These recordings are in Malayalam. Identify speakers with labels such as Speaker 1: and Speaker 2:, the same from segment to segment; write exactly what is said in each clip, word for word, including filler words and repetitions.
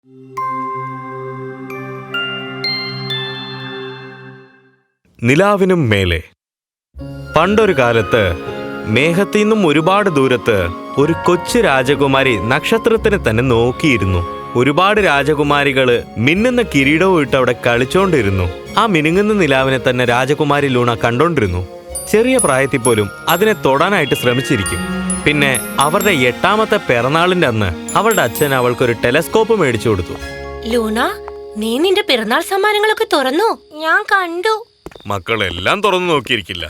Speaker 1: നിലാവിനും മേലെ. പണ്ടൊരു കാലത്ത് മേഘത്തിൽ നിന്നും ഒരുപാട് ദൂരത്ത് ഒരു കൊച്ചു രാജകുമാരി നക്ഷത്രത്തിനെ തന്നെ നോക്കിയിരുന്നു. ഒരുപാട് രാജകുമാരികള് മിന്നുന്ന കിരീടവും ഇട്ട് അവിടെ കളിച്ചോണ്ടിരുന്നു. ആ മിനുങ്ങുന്ന നിലാവിനെ തന്നെ രാജകുമാരി ലൂണ കണ്ടോണ്ടിരുന്നു. ചെറിയ പ്രായത്തിൽ പോലും അതിനെ തൊടാനായിട്ട് ശ്രമിച്ചിരിക്കും. പിന്നെ അവരുടെ എട്ടാമത്തെ പിറന്നാളിന്റെ അന്ന് അവളുടെ അച്ഛൻ അവൾക്കൊരു ടെലസ്കോപ്പ് മേടിച്ചു കൊടുത്തു.
Speaker 2: ലൂണ, നീ നിന്റെ പിറന്നാൾ സമ്മാനങ്ങളൊക്കെ തുറന്നു? ഞാൻ കണ്ടു.
Speaker 1: മക്കളെല്ലാം തുറന്നു നോക്കിയിരിക്കില്ല.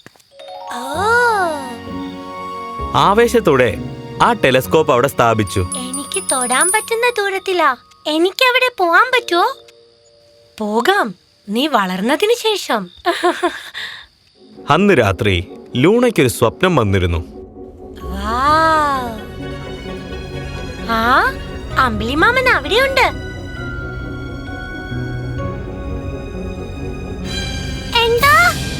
Speaker 1: ആവേശത്തോടെ ആ ടെലസ്കോപ്പ് അവിടെ സ്ഥാപിച്ചു.
Speaker 2: എനിക്ക് തൊടാൻ പറ്റുന്ന ദൂരത്തിലാ. എനിക്ക് അവിടെ പോവാൻ പറ്റുമോ? പോകാം, നീ വളർന്നതിന് ശേഷം.
Speaker 1: അന്ന് രാത്രി ലൂണയ്ക്കൊരു സ്വപ്നം വന്നിരുന്നു.
Speaker 2: ആ അമ്പിളിമാമൻ അവിടെയുണ്ട്. എന്താ?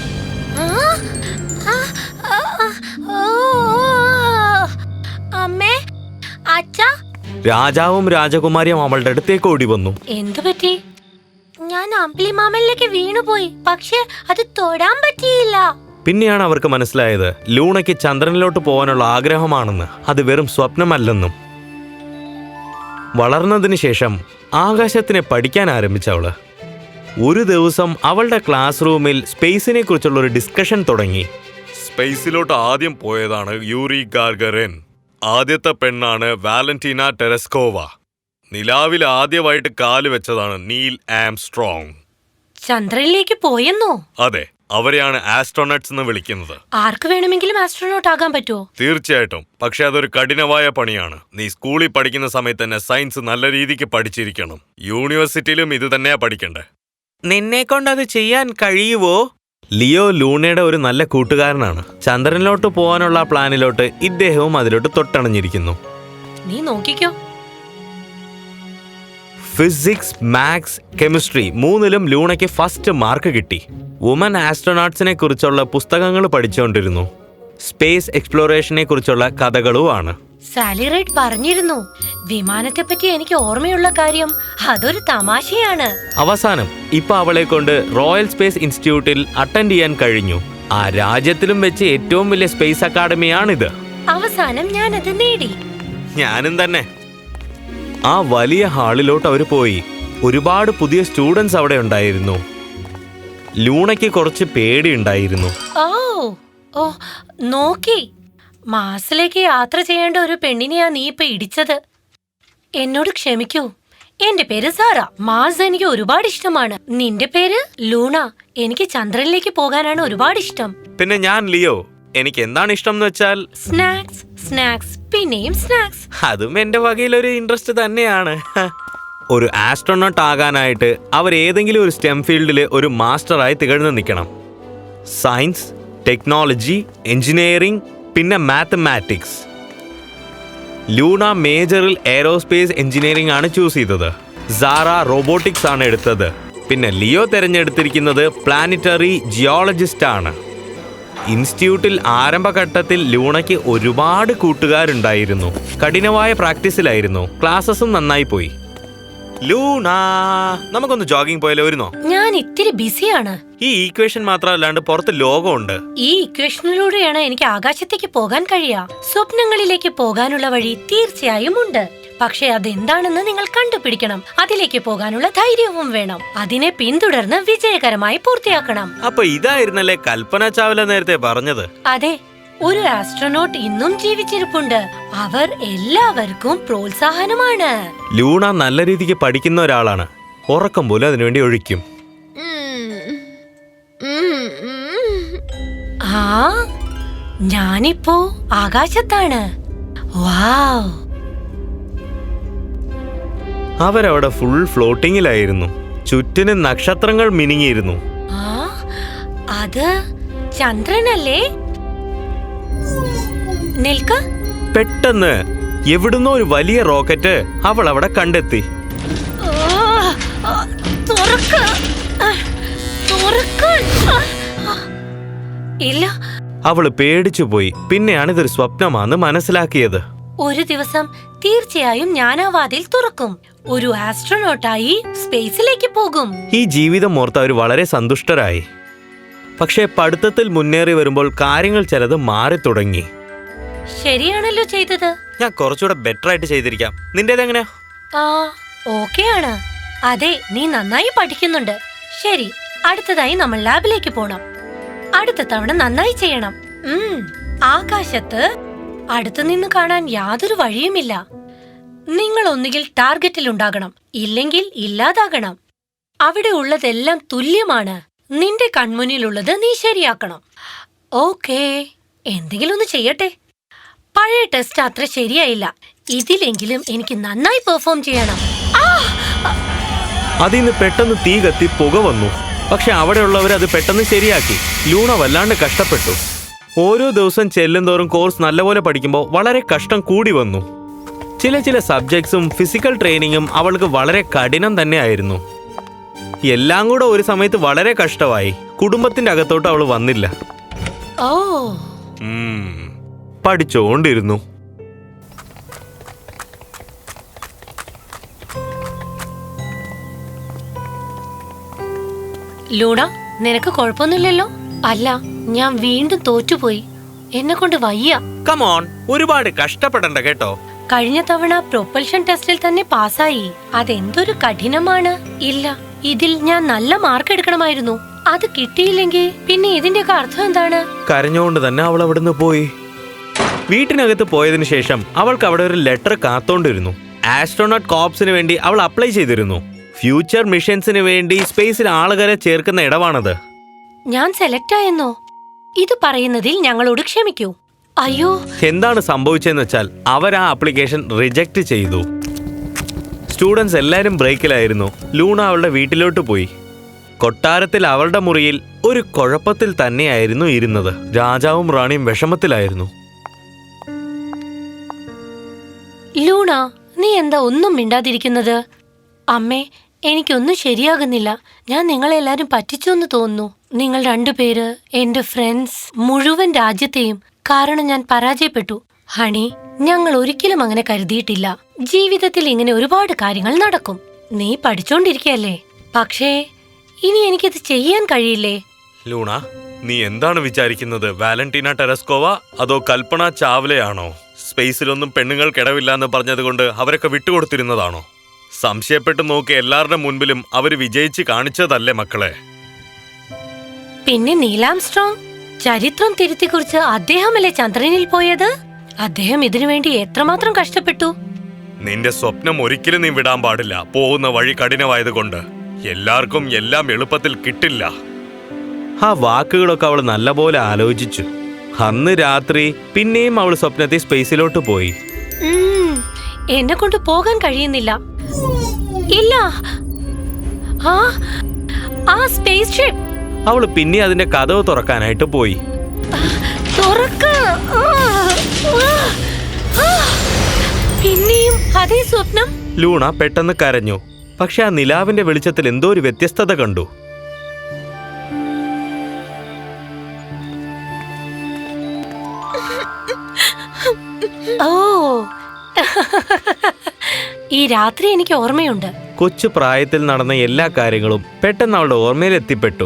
Speaker 2: അമ്മേ, അച്ഛാ.
Speaker 1: രാജാവും രാജകുമാരിയും അവളുടെ അടുത്തേക്ക് ഓടി വന്നു.
Speaker 2: എന്തു പറ്റി? ഞാൻ അമ്പിളിമാമനിലേക്ക് വീണുപോയി, പക്ഷെ അത് തൊടാൻ പറ്റിയില്ല.
Speaker 1: പിന്നെയാണ് അവർക്ക് മനസ്സിലായത് ലൂണയ്ക്ക് ചന്ദ്രനിലോട്ട് പോകാനുള്ള ആഗ്രഹമാണെന്ന്, അത് വെറും സ്വപ്നമല്ലെന്നും. വളർന്നതിന് ശേഷം ആകാശത്തിനെ പഠിക്കാൻ ആരംഭിച്ചവള് ഒരു ദിവസം അവളുടെ ക്ലാസ് റൂമിൽ സ്പേസിനെ കുറിച്ചുള്ള ഒരു ഡിസ്കഷൻ തുടങ്ങി. സ്പേസിലോട്ട് ആദ്യം പോയതാണ് യൂറി ഗാഗറിൻ. ആദ്യത്തെ പെണ്ണാണ് വാലന്റീന ടെറസ്കോവ. നിലാവിൽ ആദ്യമായിട്ട് കാല് വെച്ചതാണ് നീൽ ആംസ്ട്രോങ്.
Speaker 2: ചന്ദ്രനിലേക്ക് പോയെന്നോ?
Speaker 1: അതെ, അവരെയാണ് ആസ്ട്രോനട്സ് എന്ന് വിളിക്കുന്നത്.
Speaker 2: ആർക്ക് വേണമെങ്കിലും ആസ്ട്രോനോട്ട് ആകാൻ പറ്റുമോ?
Speaker 1: തീർച്ചയായിട്ടും, പക്ഷെ അതൊരു കഠിനമായ പണിയാണ്. നീ സ്കൂളിൽ പഠിക്കുന്ന സമയത്ത് തന്നെ സയൻസ് നല്ല രീതിക്ക് പഠിച്ചിരിക്കണം. യൂണിവേഴ്സിറ്റിയിലും ഇത് തന്നെയാ പഠിക്കണ്ടേ. നിന്നെ കൊണ്ടത് ചെയ്യാൻ കഴിയുവോ? ലിയോ ലൂണയുടെ ഒരു നല്ല കൂട്ടുകാരനാണ്. ചന്ദ്രനിലോട്ട് പോകാനുള്ള പ്ലാനിലോട്ട് ഇദ്ദേഹവും അതിലോട്ട് തൊട്ടണഞ്ഞിരിക്കുന്നു.
Speaker 2: നീ നോക്കിക്കോ.
Speaker 1: ഫിസിക്സ്, മാത്സ്, കെമിസ്ട്രി മൂന്നിലും ലൂണയ്ക്ക് ഫസ്റ്റ് മാർക്ക് കിട്ടി. വുമൻ ആസ്ട്രോനോട്സിനെ കുറിച്ചുള്ള പുസ്തകങ്ങൾ പഠിച്ചുകൊണ്ടിരുന്നു. സ്പേസ് എക്സ്പ്ലോറേഷനെ കുറിച്ചുള്ള കഥകളുമാണ്.
Speaker 2: സാലി റൈഡ് പറഞ്ഞിരുന്നു, വിമാനത്തെ പറ്റി എനിക്ക് ഓർമ്മയുള്ള കാര്യം അതൊരു തമാശയാണ്.
Speaker 1: അവസാനം ഇപ്പൊ അവളെ കൊണ്ട് റോയൽ സ്പേസ് ഇൻസ്റ്റിറ്റ്യൂട്ടിൽ അറ്റൻഡ് ചെയ്യാൻ കഴിഞ്ഞു. ആ രാജ്യത്തിലും വെച്ച് ഏറ്റവും വലിയ സ്പേസ് അക്കാഡമിയാണിത്.
Speaker 2: അവസാനം ഞാനത് നേടി.
Speaker 1: ഞാനും തന്നെ. ആ വലിയ ഹാളിലോട്ട് അവർ പോയി. ഒരുപാട് പുതിയ സ്റ്റുഡൻസ് അവിടെ ഉണ്ടായിരുന്നു. ലൂണയ്ക്ക് കുറച്ച് പേടിയുണ്ടായിരുന്നു.
Speaker 2: ഓ ഓ നോക്കി, മാസിലേക്ക് യാത്ര ചെയ്യേണ്ട ഒരു പെണ്ണിനെയാ നീ ഇപ്പൊ ഇടിച്ചത്. എന്നോട് ക്ഷമിക്കൂ. എന്റെ പേര് സാറ. മാസ് എനിക്ക് ഒരുപാട് ഇഷ്ടമാണ്. നിന്റെ പേര് ലൂണ. എനിക്ക് ചന്ദ്രനിലേക്ക് പോകാനാണ് ഒരുപാട് ഇഷ്ടം.
Speaker 1: പിന്നെ ഞാൻ ലിയോ. എനിക്ക് എന്താണ് ഇഷ്ടം എന്ന് വെച്ചാൽ
Speaker 2: സ്നാക്സ്, സ്നാക്സ്, പിന്നെയും സ്നാക്സ്.
Speaker 1: അതും എന്റെ വകയിലൊരു ഇൻട്രസ്റ്റ് തന്നെയാണ്. ഒരു ആസ്ട്രോനോട്ട് ആകാനായിട്ട് അവർ ഏതെങ്കിലും ഒരു സ്റ്റെം ഫീൽഡിൽ ഒരു മാസ്റ്ററായി തികഴ്ന്നു നിൽക്കണം. സയൻസ്, ടെക്നോളജി, എഞ്ചിനീയറിംഗ്, പിന്നെ മാത്തമാറ്റിക്സ്. ലൂണ മേജറിൽ എയറോസ്പേസ് എഞ്ചിനീയറിംഗ് ആണ് ചൂസ് ചെയ്തത്. സാറ റോബോട്ടിക്സ് ആണ് എടുത്തത്. പിന്നെ ലിയോ തിരഞ്ഞെടുത്തിരിക്കുന്നത് പ്ലാനറ്ററി ജിയോളജിസ്റ്റ് ആണ്. ഇൻസ്റ്റിറ്റ്യൂട്ടിൽ ആരംഭഘട്ടത്തിൽ ലൂണയ്ക്ക് ഒരുപാട് കൂട്ടുകാരുണ്ടായിരുന്നു. കഠിനമായ പ്രാക്ടീസിലായിരുന്നു. ക്ലാസ്സസും നന്നായി പോയി. ലൂണ, നമുക്കൊന്ന് ജോഗിംഗ് പോയാലോ? വരുന്നോ?
Speaker 2: ഞാൻ ഇത്തിരി ബിസിയാണ്.
Speaker 1: ഈ ഈക്വേഷൻ മാത്രമല്ലാണ്ട് പുറത്ത് ലോകമുണ്ട്.
Speaker 2: ഈ ഇക്വേഷനിലൂടെയാണ് എനിക്ക് ആകാശത്തേക്ക് പോകാൻ കഴിയുക. സ്വപ്നങ്ങളിലേക്ക് പോകാനുള്ള വഴി തീർച്ചയായും ഉണ്ട്. പക്ഷെ അതെന്താണെന്ന് നിങ്ങൾ കണ്ടുപിടിക്കണം. അതിലേക്ക് പോകാനുള്ള ധൈര്യവും വേണം. അതിനെ പിന്തുടർന്ന് വിജയകരമായി പൂർത്തിയാക്കണം.
Speaker 1: അപ്പൊ ഇതായിരുന്നല്ലേ കൽപ്പന ചാവല നേരത്തെ പറഞ്ഞത്?
Speaker 2: അതെ, ഒരു ആസ്ട്രോനോട്ട് ഇന്നും ജീവിച്ചിരിപ്പുണ്ട്. അവർ എല്ലാവർക്കും പ്രോത്സാഹനമാണ്.
Speaker 1: ലൂണ നല്ല രീതിക്ക് പഠിക്കുന്ന ഒരാളാണ്. ഉറക്കം പോലും അതിനുവേണ്ടി ഒഴിക്കും.
Speaker 2: ആ ഞാനിപ്പോ ആകാശത്താണ്. വാവ്!
Speaker 1: അവരവിടെ ഫുൾ ഫ്ലോട്ടിങ്ങിലായിരുന്നു. ചുറ്റിന് നക്ഷത്രങ്ങൾ മിനുങ്ങിയിരുന്നു.
Speaker 2: ആ അത് ചന്ദ്രനല്ലേ? നിൽക്ക.
Speaker 1: പെട്ടെന്ന് എവിടുന്നോ ഒരു വലിയ റോക്കറ്റ് അവൾ അവിടെ കണ്ടെത്തി.
Speaker 2: ഇല്ല.
Speaker 1: അവള് പേടിച്ചുപോയി. പിന്നെയാണ് ഇതൊരു സ്വപ്നമാണെന്ന് മനസ്സിലാക്കിയത്.
Speaker 2: ഒരു ദിവസം തീർച്ചയായും ഞാൻ ആ വാതിൽ തുറക്കും. ഒരു ആസ്ട്രോനോട്ടായി സ്പേസിലേക്ക് പോകും.
Speaker 1: ഈ ജീവിതം ഓർത്ത് അവർ വളരെ സന്തുഷ്ടരായി. പക്ഷേ പഠിത്തത്തിൽ മുന്നേറി വരുമ്പോൾ കാര്യങ്ങൾ ചിലത് മാറി തുടങ്ങി.
Speaker 2: ശരിയാണല്ലോ ചെയ്തത്.
Speaker 1: ഞാൻ കുറച്ചുകൂടെ ബെറ്റർ ആയിട്ട് ചെയ്തിരിക്കാം. നിന്റേതെങ്ങനെയാ?
Speaker 2: ആ ഓക്കെ ആണ്. അതെ, നീ നന്നായി പഠിക്കുന്നുണ്ട്. ശരി, അടുത്തതായി നമ്മൾ ലാബിലേക്ക് പോണം. അടുത്ത തവണ നന്നായി ചെയ്യണം. ഉം ആകാശത്ത് അടുത്തു നിന്ന് കാണാൻ യാതൊരു വഴിയുമില്ല. നിങ്ങൾ ഒന്നുകിൽ ടാർഗറ്റിൽ ഉണ്ടാകണം, ഇല്ലെങ്കിൽ ഇല്ലാതാകണം. അവിടെ ഉള്ളതെല്ലാം തുല്യമാണ്. നിന്റെ കൺമുന്നിലുള്ളത് നീ ശരിയാക്കണം. ഓക്കേ, എന്തെങ്കിലും ഒന്ന് ചെയ്യട്ടെ. പഴയ ടെസ്റ്റ് അത്ര ശരിയായില്ല. ഇതിലെങ്കിലും എനിക്ക് നന്നായി പെർഫോം ചെയ്യണം.
Speaker 1: അതിന്ന് പെട്ടെന്ന് തീ കത്തി പുക വന്നു. പക്ഷെ അവിടെയുള്ളവർ അത് പെട്ടെന്ന് ശരിയാക്കി. ലൂണ വല്ലാണ്ട് കഷ്ടപ്പെട്ടു. ഓരോ ദിവസം ചെല്ലുന്തോറും കോഴ്സ് നല്ലപോലെ പഠിക്കുമ്പോൾ വളരെ കഷ്ടം കൂടി വന്നു. ചില ചില സബ്ജക്ട്സും ഫിസിക്കൽ ട്രെയിനിങ്ങും അവൾക്ക് വളരെ കഠിനം തന്നെയായിരുന്നു. എല്ലാം കൂടെ ഒരു സമയത്ത് വളരെ കഷ്ടമായി. കുടുംബത്തിന്റെ അകത്തോട്ട് അവൾ വന്നില്ല.
Speaker 2: ഓ
Speaker 1: പഠിച്ചോണ്ടിരുന്നു.
Speaker 2: ലൂണ, നിനക്ക് കുഴപ്പമൊന്നുമില്ലല്ലോ? അല്ല, ഞാൻ വീണ്ടും തോറ്റുപോയി. എന്നെ കൊണ്ട് വയ്യ.
Speaker 1: കമോൺ, ഒരുപാട് കഷ്ടപ്പെടണ്ട കേട്ടോ.
Speaker 2: കഴിഞ്ഞ തവണ പ്രൊപ്പൽഷൻ ടെസ്റ്റിൽ തന്നെ പാസ്സായി. അതെന്തൊരു കഠിനമാണ്. ഇല്ല, ഇതിൽ ഞാൻ നല്ല മാർക്ക് എടുക്കണമായിരുന്നു. അത് കിട്ടിയില്ലെങ്കിൽ പിന്നെ ഇതിന്റെയൊക്കെ അർത്ഥം എന്താണ്?
Speaker 1: കരഞ്ഞുകൊണ്ട് തന്നെ അവൾ അവിടുന്ന് പോയി. വീട്ടിനകത്ത് പോയതിനു ശേഷം അവൾക്ക് അവിടെ ഒരു ലെറ്റർ കാത്തോണ്ടിരുന്നു. ആസ്ട്രോനോട്ട് കോർപ്സിന് വേണ്ടി അവൾ അപ്ലൈ ചെയ്തിരുന്നു. ഫ്യൂച്ചർ മിഷൻസിന് വേണ്ടി സ്പേസിൽ ആളുകളെ ചേർക്കുന്ന ഇടമാണത്.
Speaker 2: ഞാൻ സെലക്ട് ആയെന്നോ? ഇത് പറയുന്നതിൽ ഞങ്ങളോട് ക്ഷമിക്കൂ. അയ്യോ,
Speaker 1: എന്താണ് സംഭവിച്ചതെന്ന് വെച്ചാൽ അവർ ആ ആപ്ലിക്കേഷൻ റിജക്റ്റ് ചെയ്തു. സ്റ്റുഡൻസ് എല്ലാവരും ബ്രേക്കിലായിരുന്നു. ലൂണ അവളുടെ വീട്ടിലോട്ട് പോയി. കൊട്ടാരത്തിൽ അവളുടെ മുറിയിൽ ഒരു കുഴപ്പത്തിൽ തന്നെയായിരുന്നു ഇരുന്നത്. രാജാവും റാണിയും വിഷമത്തിലായിരുന്നു.
Speaker 2: ലൂണ, നീ എന്താ ഒന്നും മിണ്ടാതിരിക്കുന്നത്? അമ്മേ, എനിക്കൊന്നും ശരിയാകുന്നില്ല. ഞാൻ നിങ്ങളെല്ലാരും പറ്റിച്ചു എന്ന് തോന്നുന്നു. നിങ്ങൾ രണ്ടുപേര്, എന്റെ ഫ്രണ്ട്സ്, മുഴുവൻ രാജ്യത്തെയും. കാരണം ഞാൻ പരാജയപ്പെട്ടു. ഹണി, ഞങ്ങൾ ഒരിക്കലും അങ്ങനെ കരുതിയിട്ടില്ല. ജീവിതത്തിൽ ഇങ്ങനെ ഒരുപാട് കാര്യങ്ങൾ നടക്കും. നീ പഠിച്ചോണ്ടിരിക്കയല്ലേ? പക്ഷേ ഇനി എനിക്കിത് ചെയ്യാൻ കഴിയില്ലേ?
Speaker 1: ലൂണ, നീ എന്താണ് വിചാരിക്കുന്നത്? വാലന്റീന ടെറസ്കോവ അതോ കൽപ്പന ചാവലയാണോ? സ്പേസിലൊന്നും പെണ്ണുങ്ങൾക്കിടവില്ല എന്ന് പറഞ്ഞതുകൊണ്ട് അവരൊക്കെ വിട്ടുകൊടുത്തിരുന്നതാണോ? സംശയപ്പെട്ടു നോക്കി എല്ലാവരുടെ മുൻപിലും അവര് വിജയിച്ച് കാണിച്ചതല്ലേ മക്കളെ?
Speaker 2: പിന്നെ നീലാംസ്ട്രോങ് ചരിത്രം തിരുത്തി കുറിച്ച് അദ്ദേഹമല്ലേ ചന്ദ്രനിൽ പോയത്? അദ്ദേഹം ഇതിനുവേണ്ടി എത്രമാത്രം കഷ്ടപ്പെട്ടു.
Speaker 1: നിന്റെ സ്വപ്നം ഒരിക്കലും നീ വിടാൻ പാടില്ല. പോകുന്ന വഴി കഠിനമായതുകൊണ്ട് എല്ലാവർക്കും എല്ലാം എളുപ്പത്തിൽ കിട്ടില്ല. ആ വാക്കുകളൊക്കെ അവൾ നല്ലപോലെ ആലോചിച്ചു. അന്ന് രാത്രി പിന്നെയും അവൾ സ്വപ്നത്തിൽ സ്പേസിലോട്ട് പോയി.
Speaker 2: എന്നെ കൊണ്ട് പോകാൻ കഴിയുന്നില്ല. ഇല്ല, ആ ആ സ്പേസ് ഷിപ്പ്.
Speaker 1: അവൾ പിന്നെ അതിന്റെ കതവ് തുറക്കാനായിട്ട് പോയി.
Speaker 2: പിന്നെയും അതേ സ്വപ്നം.
Speaker 1: ലൂണ പെട്ടെന്ന് കരഞ്ഞു. പക്ഷെ ആ നിലാവിന്റെ വെളിച്ചത്തിൽ എന്തോ ഒരു വ്യത്യസ്തത കണ്ടു.
Speaker 2: ഓ, ഈ രാത്രി എനിക്ക് ഓർമ്മയുണ്ട്.
Speaker 1: കൊച്ചു പ്രായത്തിൽ നടന്ന എല്ലാ കാര്യങ്ങളും പെട്ടെന്ന് അവളുടെ ഓർമ്മയിൽ എത്തിപ്പെട്ടു.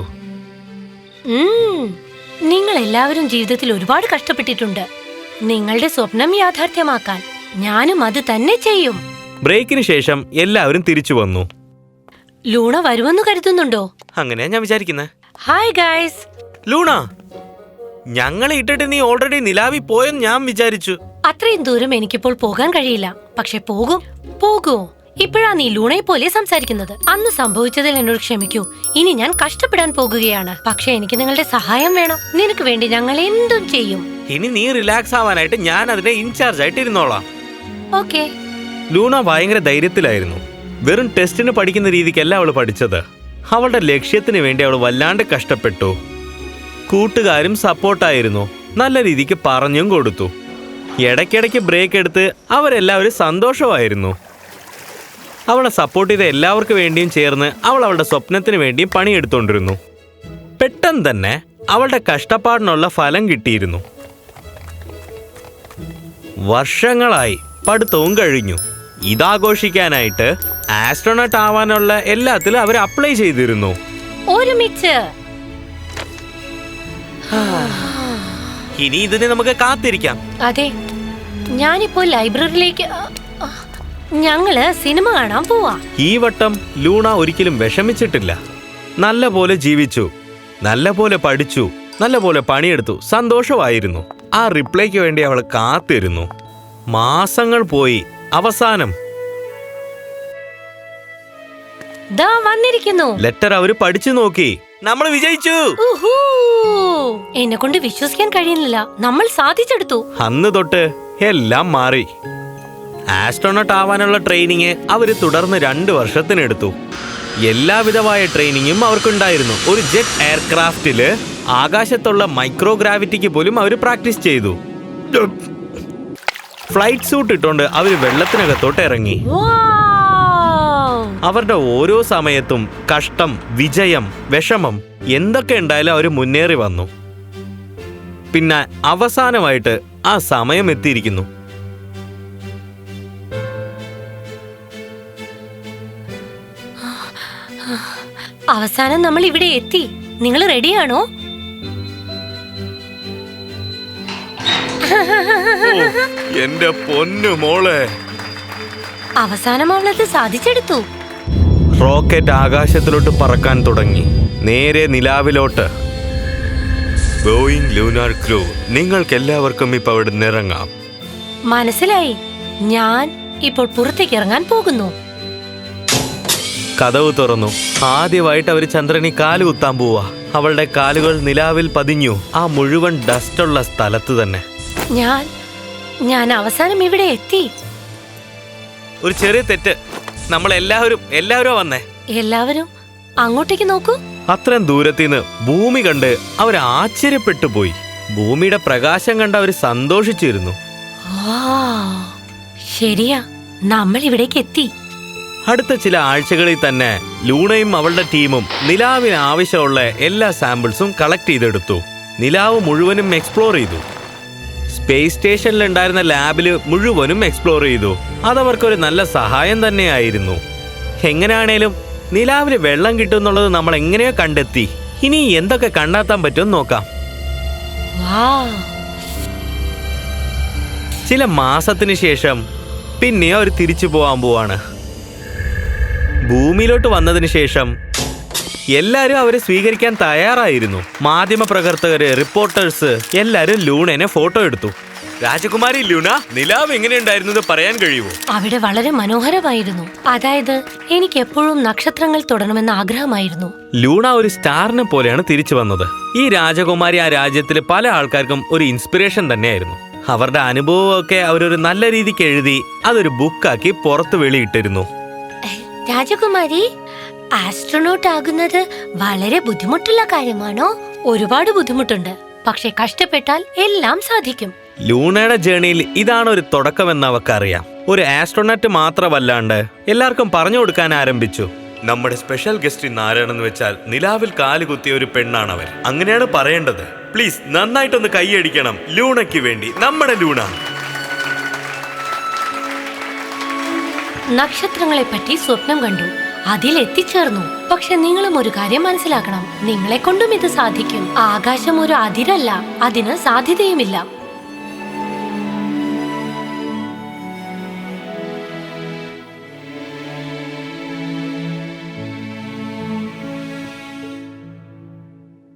Speaker 2: നിങ്ങൾ എല്ലാവരും ജീവിതത്തിൽ ഒരുപാട് കഷ്ടപ്പെട്ടിട്ടുണ്ട്. നിങ്ങളുടെ സ്വപ്നം യാഥാർത്ഥ്യമാക്കാൻ ഞാനും അത് തന്നെ ചെയ്യും.
Speaker 1: ബ്രേക്കിന് ശേഷം എല്ലാവരും തിരിച്ചു വന്നു.
Speaker 2: ലൂണ വരുമെന്ന് കരുതുന്നുണ്ടോ?
Speaker 1: അങ്ങനെയാ ഞാൻ വിചാരിക്കുന്നത്.
Speaker 2: Hi guys.
Speaker 1: ലൂണ, ഞങ്ങളെ ഇട്ടിട്ട് നീ ഓൾറെഡി നിലാവി പോയെന്ന് ഞാൻ വിചാരിച്ചു.
Speaker 2: അത്രയും ദൂരം എനിക്കിപ്പോൾ പോകാൻ കഴിയില്ല. പക്ഷെ പോകും. പോകുമോ? ഇപ്പോഴാ നീ ലൂണയെ പോലെ സംസാരിക്കുന്നത്. അന്ന് സംഭവിച്ചതിൽ എന്നോട് ക്ഷമിക്കൂ. ഇനി ഞാൻ കഷ്ടപ്പെടാൻ പോകുകയാണ്. പക്ഷെ എനിക്ക് നിങ്ങളുടെ സഹായം വേണം. നിനക്ക് വേണ്ടി ഞങ്ങൾ എന്തും ചെയ്യും.
Speaker 1: ഇനി നീ റിലാക്സ് ആവാനായിട്ട് ഞാൻ അതിനെ ഇൻചാർജ് ആയിട്ട് ഇരുന്നോളാം.
Speaker 2: ഓക്കെ.
Speaker 1: ലൂണ ഭയങ്കര ധൈര്യത്തിലായിരുന്നു. വെറും ടെസ്റ്റിന് പഠിക്കുന്ന രീതിക്കല്ല അവൾ പഠിച്ചത്. അവളുടെ ലക്ഷ്യത്തിന് വേണ്ടി അവൾ വല്ലാണ്ട് കഷ്ടപ്പെട്ടു. കൂട്ടുകാരും സപ്പോർട്ടായിരുന്നു. നല്ല രീതിക്ക് പറഞ്ഞും കൊടുത്തു. ഇടയ്ക്കിടയ്ക്ക് ബ്രേക്ക് എടുത്ത് അവരെല്ലാവരും സന്തോഷമായിരുന്നു. അവളെ സപ്പോർട്ട് ചെയ്ത എല്ലാവർക്കും വേണ്ടിയും ചേർന്ന് അവൾ അവളുടെ സ്വപ്നത്തിന് വേണ്ടിയും പണിയെടുത്തോണ്ടിരുന്നു. പെട്ടെന്ന് തന്നെ അവളുടെ കഷ്ടപ്പാടിനുള്ള ഫലം കിട്ടിയിരുന്നു. വർഷങ്ങളായി പഠിത്തവും കഴിഞ്ഞു. ഇതാഘോഷിക്കാനായിട്ട് ആസ്ട്രോണട്ട് ആവാനുള്ള എല്ലാത്തിലും അവർ അപ്ലൈ ചെയ്തിരുന്നു.
Speaker 2: ഒരുമിച്ച്.
Speaker 1: ഇനി ഇതിന് നമുക്ക് കാത്തിരിക്കാം.
Speaker 2: അതെ, ഞാനിപ്പോ ലൈബ്രറിയിലേക്ക്. ഞങ്ങള് സിനിമ കാണാൻ പോവാ.
Speaker 1: ഈ വട്ടം ലൂണ ഒരിക്കലും വിഷമിച്ചിട്ടില്ല. നല്ല പോലെ ജീവിച്ചു, നല്ല പോലെ പഠിച്ചു, നല്ല പോലെ പണിയെടുത്തു, സന്തോഷമായിരുന്നു. ആ റിപ്ലൈക്ക് വേണ്ടി അവൾ കാത്തിരുന്നു. മാസങ്ങൾ പോയി. അവസാനം
Speaker 2: ദാ വന്നിരിക്കുന്നു.
Speaker 1: ലെറ്റർ അവര് പഠിച്ചു നോക്കി. നമ്മൾ വിജയിച്ചു.
Speaker 2: എന്നെ കൊണ്ട് വിശ്വസിക്കാൻ കഴിയുന്നില്ല. നമ്മൾ സാധിച്ചെടുത്തു.
Speaker 1: അന്ന് തൊട്ട് എല്ലാം മാറി. ആസ്ട്രോണട്ട് ആവാനുള്ള ട്രെയിനിങ് അവര് തുടർന്ന് രണ്ട് വർഷത്തിനെടുത്തു. എല്ലാവിധമായ ട്രെയിനിങ്ങും അവർക്കുണ്ടായിരുന്നു. ഒരു ജെറ്റ് എയർക്രാഫ്റ്റില് ആകാശത്തുള്ള മൈക്രോഗ്രാവിറ്റിക്ക് പോലും അവർ പ്രാക്ടീസ് ചെയ്തു. ഫ്ലൈറ്റ് സൂട്ട് ഇട്ടുകൊണ്ട് അവർ വെള്ളത്തിനകത്തോട്ട് ഇറങ്ങി. അവരുടെ ഓരോ സമയത്തും കഷ്ടം, വിജയം, വിഷമം എന്തൊക്കെ ഉണ്ടായാലും അവർ മുന്നേറി വന്നു. പിന്നെ അവസാനമായിട്ട് ആ സമയം എത്തിയിരിക്കുന്നു.
Speaker 2: അവസാനം നമ്മൾ ഇവിടെ എത്തി. നിങ്ങൾ റെഡിയാണോ?
Speaker 1: എന്റെ പൊന്നു മോളെ.
Speaker 2: അവസാനം അവളത് സാധിച്ചെടുത്തു.
Speaker 1: റോക്കറ്റ് ആകാശത്തിലോട്ട് പറക്കാൻ തുടങ്ങി, നേരെ നിലാവിലോട്ട്. ബോയിങ് ലൂനാർ ക്രൂ, നിങ്ങൾക്ക് എല്ലാവർക്കും ഇപ്പൊ അവിടെ നിറങ്ങാം.
Speaker 2: മനസ്സിലായി. ഞാൻ ഇപ്പോൾ പുറത്തേക്ക് ഇറങ്ങാൻ പോകുന്നു.
Speaker 1: കതവ് തുറന്നു. ആദ്യമായിട്ട് അവര് ചന്ദ്രനി കാല് കുത്താൻ പോവാ. അവളുടെ കാലുകൾ നിലാവിൽ പതിഞ്ഞു, ആ മുഴുവൻ ഡസ്റ്റുള്ള സ്ഥലത്ത് തന്നെ.
Speaker 2: ഞാൻ ഞാൻ അവസാനം ഇവിടെ എത്തി.
Speaker 1: ഒരു ചെറിയ തെറ്റ്. നമ്മൾ എല്ലാവരും എല്ലാവരും വന്നേ.
Speaker 2: എല്ലാവരും അങ്ങോട്ടേക്ക് നോക്കൂ.
Speaker 1: അത്രയും ദൂരത്തിന്ന് ഭൂമി കണ്ട് അവർ ആശ്ചര്യപ്പെട്ടു പോയി. ഭൂമിയുടെ പ്രകാശം കണ്ട് അവർ സന്തോഷിച്ചിരുന്നു.
Speaker 2: ശരിയാ, നമ്മൾ ഇവിടേക്ക് എത്തി.
Speaker 1: അടുത്ത ചില ആഴ്ചകളിൽ തന്നെ ലൂണയും അവളുടെ ടീമും നിലാവിന് ആവശ്യമുള്ള എല്ലാ സാമ്പിൾസും കളക്ട് ചെയ്തെടുത്തു. നിലാവ് മുഴുവനും എക്സ്പ്ലോർ ചെയ്തു. സ്പേസ് സ്റ്റേഷനിൽ ഉണ്ടായിരുന്ന ലാബില് മുഴുവനും എക്സ്പ്ലോർ ചെയ്തു. അതവർക്കൊരു നല്ല സഹായം തന്നെയായിരുന്നു. എങ്ങനെയാണേലും നിലാവില് വെള്ളം കിട്ടുമെന്നുള്ളത് നമ്മൾ എങ്ങനെയോ കണ്ടെത്തി. ഇനി എന്തൊക്കെ കണ്ടെത്താൻ പറ്റുമെന്ന് നോക്കാം. ചില മാസത്തിന് ശേഷം പിന്നെ അവർ തിരിച്ചു പോവാൻ പോവാണ്. ഭൂമിയിലോട്ട് വന്നതിന് ശേഷം എല്ലാരും അവരെ സ്വീകരിക്കാൻ തയ്യാറായിരുന്നു. മാധ്യമ പ്രവർത്തകര്, റിപ്പോർട്ടേഴ്സ് എല്ലാരും ലൂണനെ ഫോട്ടോ എടുത്തു. രാജകുമാരി ലൂണ, നിലാവ് എങ്ങനെയുണ്ടായിരുന്നത് പറയാൻ കഴിയുമോ?
Speaker 2: അവിടെ വളരെ മനോഹരമായിരുന്നു. അതായത് എനിക്ക് എപ്പോഴും നക്ഷത്രങ്ങൾ തൊടണമെന്ന് ആഗ്രഹമായിരുന്നു.
Speaker 1: ലൂണ ഒരു സ്റ്റാറിനെ പോലെയാണ് തിരിച്ചു വന്നത്. ഈ രാജകുമാരി ആ രാജ്യത്തിലെ പല ആൾക്കാർക്കും ഒരു ഇൻസ്പിറേഷൻ തന്നെയായിരുന്നു. അവരുടെ അനുഭവമൊക്കെ അവരൊരു നല്ല രീതിക്ക് എഴുതി അതൊരു ബുക്കാക്കി പുറത്ത് വെളിയിട്ടിരുന്നു.
Speaker 2: രാജകുമാരി, ആസ്ട്രോനോട്ട് ആകുന്നത് വളരെ ബുദ്ധിമുട്ടുള്ള കാര്യമാണോ? ഒരുപാട് ബുദ്ധിമുട്ടുണ്ട്, പക്ഷെ കഷ്ടപ്പെട്ടാൽ എല്ലാം സാധിക്കും.
Speaker 1: ലൂണയുടെ ജേണിയിൽ ഇതാണ് ഒരു തുടക്കമെന്ന് അവക്കറിയാം. ഒരു ആസ്ട്രോനറ്റ് മാത്രമല്ലാണ്ട് എല്ലാവർക്കും പറഞ്ഞു കൊടുക്കാൻ ആരംഭിച്ചു. നമ്മുടെ സ്പെഷ്യൽ ഗസ്റ്റ് ഇന്ന് ആരാണെന്ന് വെച്ചാൽ നിലാവിൽ കാലുകുത്തിയ ഒരു പെണ്ണാണവർ. അങ്ങനെയാണ് പറയേണ്ടത്. പ്ലീസ് നന്നായിട്ടൊന്ന് കൈയടിക്കണം ലൂണയ്ക്ക് വേണ്ടി, നമ്മുടെ ലൂണ.
Speaker 2: നക്ഷത്രങ്ങളെ പറ്റി സ്വപ്നം കണ്ടു, അതിൽ എത്തിച്ചേർന്നു. പക്ഷെ നിങ്ങളും ഒരു കാര്യം മനസ്സിലാക്കണം, നിങ്ങളെ കൊണ്ടും ഇത് സാധിക്കും. ആകാശം ഒരു അതിരല്ല, അതിന് സാധ്യതയുമില്ല.